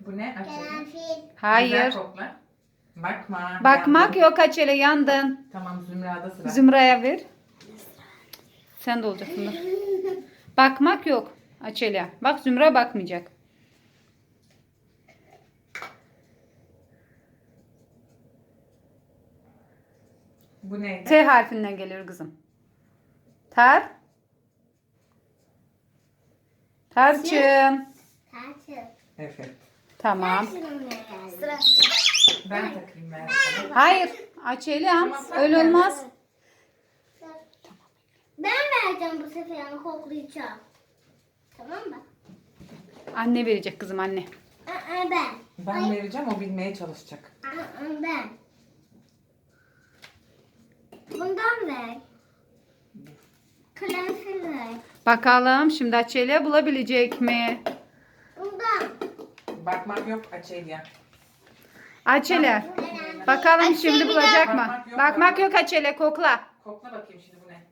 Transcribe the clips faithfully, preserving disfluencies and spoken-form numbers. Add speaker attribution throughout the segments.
Speaker 1: Bu ne? Açalım.
Speaker 2: Karanfil.
Speaker 3: Hayır.
Speaker 1: Güzel kokla. Bakma.
Speaker 3: Bakmak
Speaker 1: yandın.
Speaker 3: yok Açele, yandın.
Speaker 1: Tamam, Zümra'da sıra.
Speaker 3: Zümra'ya ver. Sen de olacaksın. Dur. Bakmak yok Açele. Bak Zümra bakmayacak.
Speaker 1: Bu neydi?
Speaker 3: T harfinden geliyor kızım. Tar. Tarçın.
Speaker 2: Tarçın.
Speaker 1: Evet.
Speaker 3: Tamam.
Speaker 2: Sıra.
Speaker 1: Ben takayım ben.
Speaker 3: Hayır. Açelem. Öyle olmaz.
Speaker 2: Ben vereceğim bu sefer ama koklayacağım. Tamam mı?
Speaker 3: Anne verecek kızım, anne.
Speaker 2: Aa, ben.
Speaker 1: Ben vereceğim, o bilmeye çalışacak.
Speaker 2: Aa, ben. Bundan ver. Karanfil ver.
Speaker 3: Bakalım şimdi Açelya bulabilecek mi?
Speaker 2: Bundan.
Speaker 1: Bakmak yok Açelya.
Speaker 3: Açelya. Bakalım şimdi bulacak mı?
Speaker 1: Bakmak yok,
Speaker 3: Bakmak
Speaker 1: bakmak.
Speaker 3: yok Açelya, kokla.
Speaker 1: Kokla bakayım şimdi bu ne?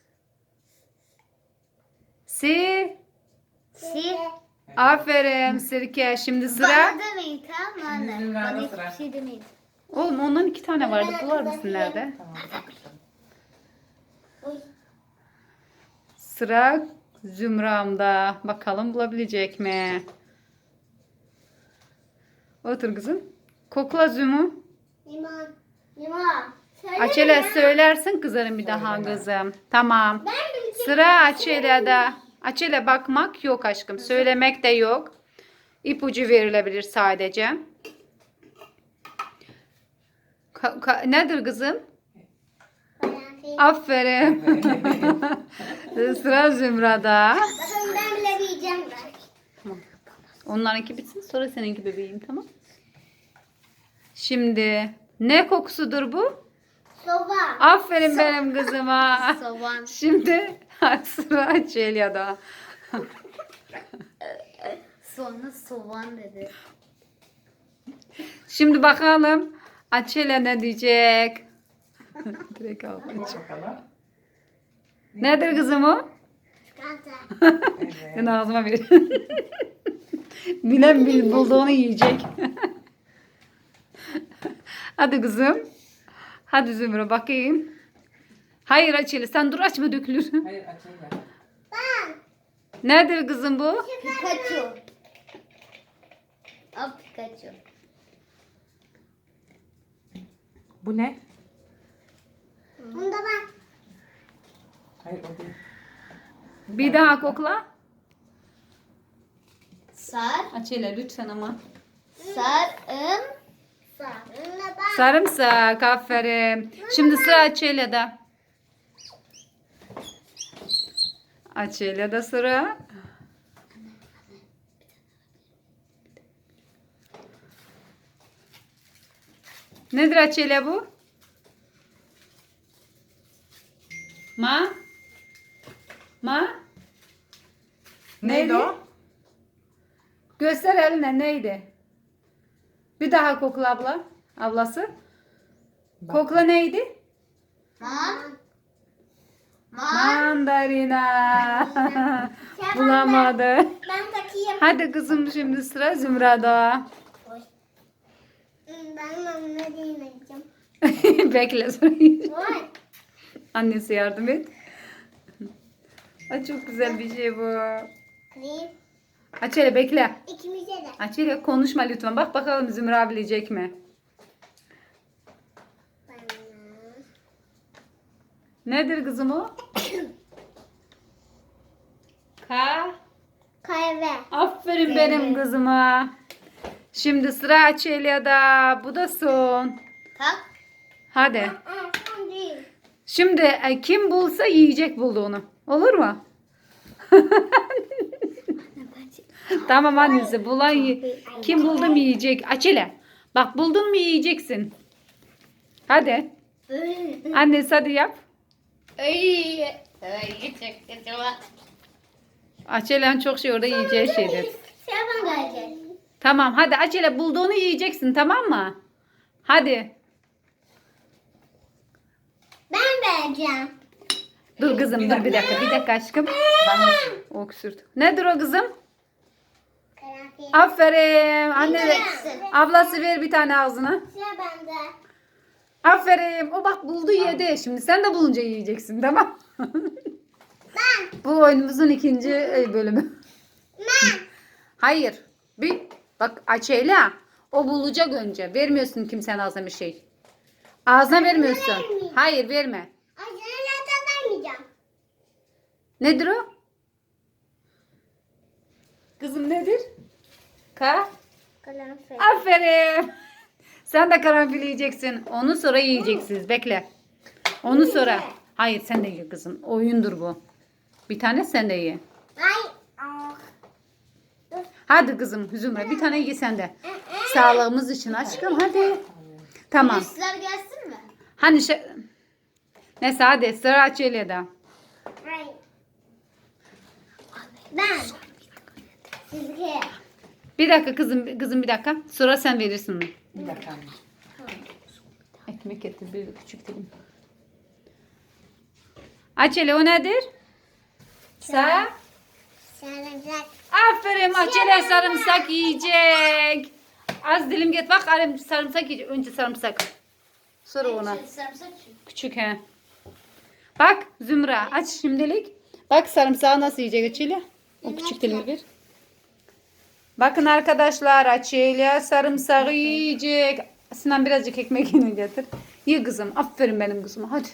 Speaker 3: Si.
Speaker 2: Si.
Speaker 3: Aferin sirke. Şimdi sıra.
Speaker 2: Bana demeyin tamam mı?
Speaker 1: Şimdi Zümra'da
Speaker 2: Bana
Speaker 1: sıra.
Speaker 2: hiçbir şey demeyin.
Speaker 3: Oğlum ondan iki tane vardı. Bular mısın nerede?
Speaker 1: Tamam, bakışalım.
Speaker 2: Oy.
Speaker 3: Sıra Zümra'mda. Bakalım bulabilecek mi? Otur kızım. Kokla Zümü.
Speaker 2: Limon. Limon. Söyle
Speaker 3: Açelya
Speaker 2: ya.
Speaker 3: söylersin kızarım bir daha
Speaker 1: Söyleme.
Speaker 3: kızım. Tamam.
Speaker 2: Ben bileceğim.
Speaker 3: Sıra Açelya'da. Açelya bakmak yok aşkım. Söylemek de yok. İpucu verilebilir sadece. Ka- ka- nedir kızım?
Speaker 2: Karanfil.
Speaker 3: Aferin. Sıra Zümra'da.
Speaker 2: Bakın ben bile bileceğim ben.
Speaker 3: Tamam. Onlarınki bitsin, sonra seninki bebeğim, tamam. Şimdi ne kokusudur bu?
Speaker 2: Soğan.
Speaker 3: Aferin benim kızıma.
Speaker 2: Soğan.
Speaker 3: Şimdi sıra Açelya'da.
Speaker 2: Sonra soğan dedi.
Speaker 3: Şimdi bakalım Açelya ne diyecek? Direkt al.
Speaker 1: Bak bakalım.
Speaker 3: Nedir kızım o?
Speaker 2: Çikolata.
Speaker 3: Ben
Speaker 1: Evet.
Speaker 3: ağzıma ver. Bilen bil bulduğunu yiyecek. Hadi kızım. Hadi Zümrüt bakayım. Hayır Açelya, sen dur, açma dökülür.
Speaker 1: Hayır Açelya.
Speaker 2: Ben.
Speaker 3: Nedir kızım bu?
Speaker 2: Pikachu. O Pikachu.
Speaker 1: Bu ne?
Speaker 2: Bunda bak.
Speaker 1: Hayır o değil.
Speaker 3: Bir daha kokla.
Speaker 2: Sar.
Speaker 3: Açelya lütfen ama.
Speaker 2: Sarım. Sarımla bak.
Speaker 3: Sarımsak, aferin. Şimdi sıra Açelya'da. Açelya'da sıra. Nedir Açelya bu? Ma? Ma?
Speaker 1: Neydi o?
Speaker 3: Göster eline, neydi? Bir daha kokla abla. Ablası.
Speaker 1: Bak.
Speaker 3: Kokla neydi?
Speaker 2: Man. Man.
Speaker 3: Mandalina.
Speaker 2: Sen
Speaker 3: Bulamadı.
Speaker 2: Ben takayım.
Speaker 3: Hadi kızım, şimdi sıra Zümra'da.
Speaker 2: Ben onunla deneyeceğim.
Speaker 3: Bekle sorayım.
Speaker 2: Vay.
Speaker 3: Annesi yardım et. Ay çok güzel bir şey bu.
Speaker 2: Krem.
Speaker 3: Açelya bekle.
Speaker 2: İkimize de.
Speaker 3: Açelya konuşma lütfen. Bak bakalım Zümra bilecek mi? Nedir kızım o? Ka.
Speaker 2: Kahve.
Speaker 3: Aferin benim kızıma. Şimdi sıra Açelya'da. Bu da son.
Speaker 2: Tak.
Speaker 3: Hadi.
Speaker 2: Aa, son değil.
Speaker 3: Şimdi e, kim bulsa yiyecek bulduğunu. Olur mu? Tamam annesi. Bulan yi- kim buldu mu yiyecek. Açelya. Bak buldun mu yiyeceksin. Hadi. Annesi hadi yap.
Speaker 2: Ay. Ay, çok kötü var.
Speaker 3: Açelya'nın çok şey orada yiyeceği şeydir.
Speaker 2: Sen bana gelecek.
Speaker 3: Tamam hadi Açelya, bulduğunu yiyeceksin, tamam mı? Hadi.
Speaker 2: Ben vereceğim.
Speaker 3: Dur kızım
Speaker 1: Bir
Speaker 3: dur bir
Speaker 1: dakika.
Speaker 3: dakika. Bir dakika aşkım.
Speaker 1: Ben nasıl?
Speaker 3: Öksürt. Nedir o kızım?
Speaker 2: Karanfil.
Speaker 3: Aferin. Anne de.
Speaker 2: Yiyeceksin.
Speaker 3: Ablası ver bir tane ağzına.
Speaker 2: Sıra bende.
Speaker 3: Aferin. O bak buldu yedi. Şimdi sen de bulunca yiyeceksin, tamam?
Speaker 2: Ben.
Speaker 3: Bu oyunumuzun ikinci e, bölümü.
Speaker 2: Ben.
Speaker 3: Hayır. Bir bak Açeyla. O bulacak önce. Vermiyorsun kimsenin ağzına bir şey. Ağzına vermiyorsun.
Speaker 2: vermeyeyim.
Speaker 3: Hayır, verme.
Speaker 2: Ay sana zaten vermeyeceğim.
Speaker 3: Nedir o? Kızım nedir? Ka?
Speaker 2: Karanfil.
Speaker 3: Aferin. Sen de karanfil yiyeceksin. Onu sonra yiyeceksiniz. Bekle. Onu sonra. Hayır, sen de ye kızım. Oyundur bu. Bir tane sen de ye.
Speaker 2: Ay. Ah.
Speaker 3: Hadi kızım Zümre, bir tane ye sen de. Sağlığımız için aşkım, hadi. Tamam.
Speaker 2: Üstler gelsin mi?
Speaker 3: Hani şey... Neyse hadi sıra Açelya'da.
Speaker 2: Ay. Ben. Sizge.
Speaker 3: Bir dakika kızım, kızım bir dakika. Sonra sen verirsin.
Speaker 1: Bir dakika anne.
Speaker 3: Ekmek getir bir küçük dilim. Açelya o nedir? Sa?
Speaker 2: Sarımsak.
Speaker 3: Aferin Açelya sarımsak yiyecek. Az dilim get bak arım sarımsak yiyecek. Önce sarımsak. Sonra ona.
Speaker 2: Sarımsak.
Speaker 3: Küçük he. Bak Zümra aç şimdilik. Bak sarımsağı nasıl yiyecek Açelya. O küçük dilimi ver. Bakın arkadaşlar Açelya sarımsağı yiyecek. Sinan birazcık ekmek yine getir. Ye kızım. Aferin benim kızıma. Hadi.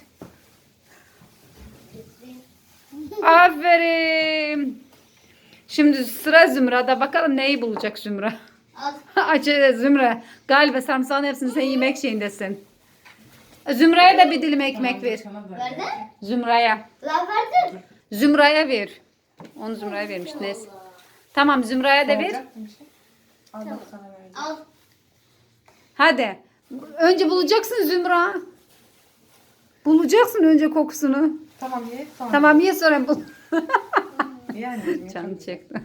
Speaker 3: Aferin. Şimdi sıra Zümra'da. Bakalım neyi bulacak Zümra.
Speaker 2: Al.
Speaker 3: Açelya Zümra. Galiba sarımsağın hepsini sen yemek şeyindesin. Zümra'ya da bir dilim ekmek ver.
Speaker 1: Sana da.
Speaker 2: Verdi?
Speaker 3: Zümra'ya.
Speaker 2: Lan verdin.
Speaker 3: Zümra'ya ver. Onu Zümra'ya vermiş. Neyse. Tamam Zümra'ya da ver.
Speaker 1: Olacak mı bir şey? Al bak sana verdim.
Speaker 2: Al.
Speaker 3: Hadi. Önce bulacaksın Zümra. Bulacaksın önce kokusunu.
Speaker 1: Tamam ye. Sonra.
Speaker 3: Tamam ye sonra bul.
Speaker 1: Ye anneciğim, ye.
Speaker 3: Canım çekti.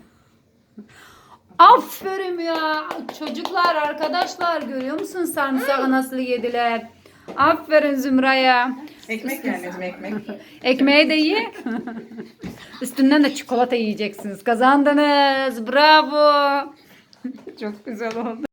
Speaker 3: Aferin ya. Çocuklar arkadaşlar görüyor musun sarımsağı nasıl yediler? Aferin Zümra'ya.
Speaker 1: Ekmek ye anneciğim, ekmek.
Speaker 3: Ekmeği de ye. Üstünden de çikolata yiyeceksiniz. Kazandınız. Bravo. Çok güzel oldu.